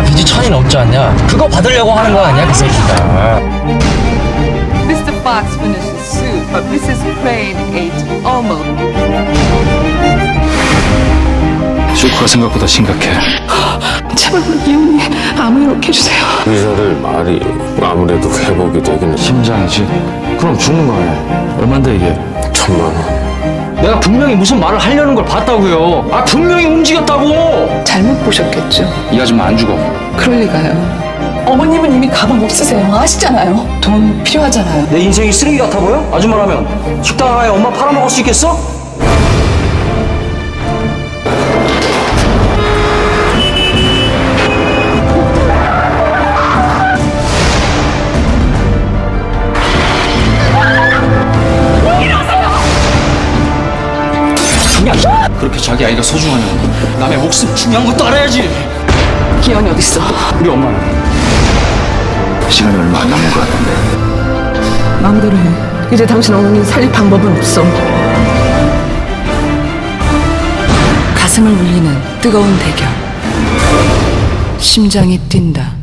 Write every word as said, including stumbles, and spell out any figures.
내가 빚이 천이 넘지 않냐? 그거 받으려고 하는 거 아니야, 그 새끼가. 미스터 Fox finished his soup, but 미세스 Crane ate almost. 쇼크가 생각보다 심각해. 제발 이혼이 아무 일 없게 해주세요. 의사들 말이 아무래도 회복이 되기는. 심장이지? 그럼 죽는 거 아니야? 얼만데 이게? 천만 원. 내가 분명히 무슨 말을 하려는 걸 봤다고요. 아, 분명히 움직였다고. 잘못 보셨겠죠. 이 아줌마 안 죽어. 그럴 리가요. 어머님은 이미 가방 없으세요. 아시잖아요. 돈 필요하잖아요. 내 인생이 쓰레기 같아 보여? 아줌마라면 식당 하나에 엄마 팔아먹을 수 있겠어? 그렇게 자기 아이가 소중하냐고. 남의 목숨 중요한 것도 알아야지. 기현이 어딨어? 우리 엄마는? 시간이 얼마 안 남은 것 같은데. 마음대로 해. 이제 당신 어머니 살릴 방법은 없어. 가슴을 울리는 뜨거운 대결. 심장이 뛴다.